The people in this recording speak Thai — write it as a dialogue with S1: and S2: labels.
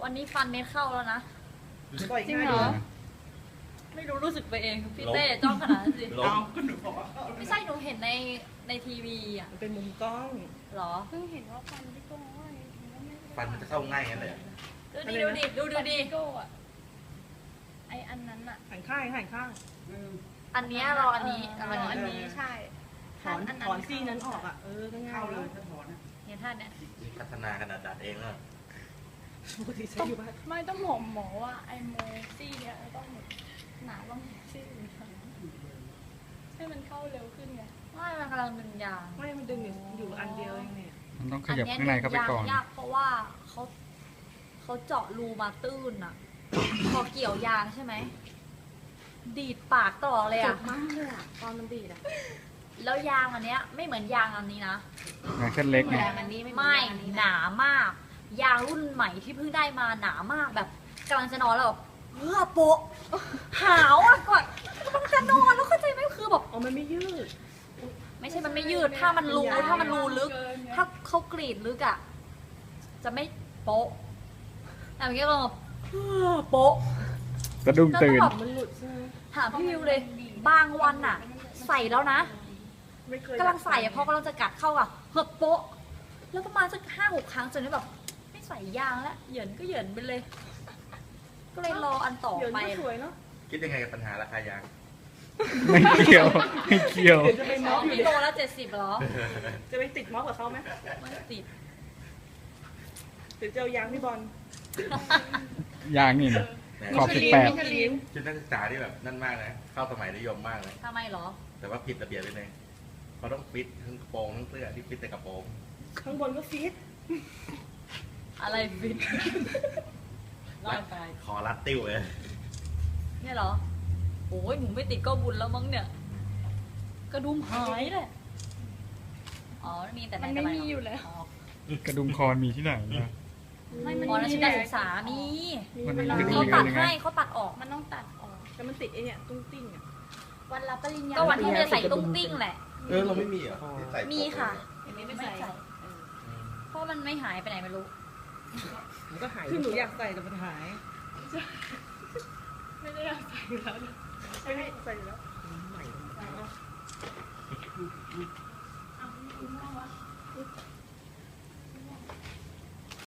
S1: วันนี้ฟันเม็ดเข้าแล้วนะ
S2: จริงเหรอ
S1: ไม่รู้สึกไปเองพี่เต้จ้องขนาดนั้นสิ
S3: ล้ม
S1: ไม่ใช่หนูเห็นในทีวีอ่ะ
S2: มันเป็นมุมกล้อง
S1: หรอ
S4: เพิ่งเห็นว่าฟันพี่โก้ว่าไงไม่
S3: ฟันมันจะเข้าง่ายงั้นเลยอะ
S1: ดูดิดูดิ
S4: พี่โก้อะไออันนั้นอะ
S2: หันข้างหันข้าง
S1: อันเนี้ยเราอันนี้
S4: อันนี้ใช่
S2: ถอนซี่นั้นออกอ่ะก็ง่ายเลย
S1: เนี่ยท่านเนี่ย
S3: พัฒนาขนาดดัดเองแล้ว
S2: ปกติใช้อยู่บ้าน
S4: ไม่ต้องบอกหมอว่าไอโมซี่เนี่ยต้องหนาต้องซี่ให้มันเข้าเร็วขึ้นไง
S1: ไม่มันกำลังดึงยาง
S2: ไม่มันดึงอยู่อันเดียวเองเนี่ย
S5: มันต้องขยับข้างในเข้าไปก่อน
S1: ยากเพราะว่าเขาเจาะรูมาตื้นอ่ะ พอเกี่ยวยางใช่ไหมดีดปากต่อเลย
S4: เจ็
S1: อ่ะ
S4: บมากเลยอะตอนมันดีดอะ
S1: แล้วยางอันเนี้ยไม่เหมือนยางอันนี้นะ
S5: งานเส้นเล็กไง
S4: อันนี้
S1: ไม่หนามาก ยางรุ่นใหม่ที่เพิ่งได้มาหนามากแบบกำลังจะนอนแล้วแบบเฮ้อโปะหาวอ่ะก่อนกำลังจะนอนแล้วเข้าใจไหมคือแบบ
S2: อ๋อมันไม่ยืด
S1: ไม่ใช่มันไม่ยืดถ้ามันรูลึก ถ้าเขากรีดลึกอ่ะจะไม่โปะแต่เมื่อกี้ก็แบบเฮ้อโปะ
S5: สะดุ้งตื่น
S1: แล้วก็แบบ
S2: มันหลุดใช่ไหม
S1: ถามพี่วิวเลย บางวันอ่ะ ใส่แล้วนะ
S2: ไม่เคย
S1: กำลังใส่อะพอกำลังจะกัดเข้าอะเฮ้อโปะแล้วประมาณสัก5-6 ครั้งจนแบบไม่ใส่ยางแล้วเหยินก็เหยินไปเลย ก็เลยรออันต่อ
S2: เดี๋ยว
S1: ไป
S2: นี้สวยเนาะ
S3: คิดยังไงกับปัญหาราคายาง
S5: ไม่เกี่ยว ไม่เกี่ยว
S2: เดี๋ยวจะไปม็อบอยู่
S1: พี่
S2: ดิ
S1: โลละ70เหรอ
S2: จะไปติดม็อบกับเขาไหม
S1: ไม่ติด
S2: หรือจะเอายางพี่บอล
S5: ยางนี่นะ
S3: แหม
S5: ขอบ
S2: มิช
S5: 18
S2: ลิน
S3: ชุดนักศึกษาที่แบบนั่นมากนะเข้าสมัยนิยมมากเลย
S1: ทำไมเหรอ
S3: แต่ว่าผิดระเบียบไปเลยเขาต้องฟิตทั้งกระโปรงทั้งเสื้อที่ฟิตแต่กระโปรง
S2: ข้างบนก็ฟิต
S1: อะไรฟิต
S3: คอรัดติ้วเลย
S1: เนี่ยเหรอโอ้ยหนูไม่ติดก็บุญแล้วมั้งเนี่ย กระดุมหายเลยอ๋อมีแต่
S4: มันไม่มีอยู่แล้ว
S1: อ๋อก
S5: ระดุมคอนมีที่ไหนนะ
S4: ไม่มัน
S1: อ๋อนั่นชุดนักศึกษามี
S5: มันมี
S1: เขา
S5: มี
S1: ตัด
S5: ยังไง
S1: ให้เขาตัดออก
S4: มันต้องตัดออก
S2: แต่มันติดไอเนี่ยตุ้งติ้งอ่ะ
S4: วันรับปริญญา
S1: ก็วันที่จะใส่ตุ้งติ้งแหละ
S3: เราไม่มีเหรอที่ใส่
S1: มีค่ะ
S4: ไม่ใส่
S1: เพราะมันไม่หายไปไหนไม่รู้
S2: มันก็หายคือหนูอยากใส่แต่มันหาย
S4: ไม่ได้อยากใส่อยู่แล้วนะ
S2: ไม่ใส่แล้วใหม่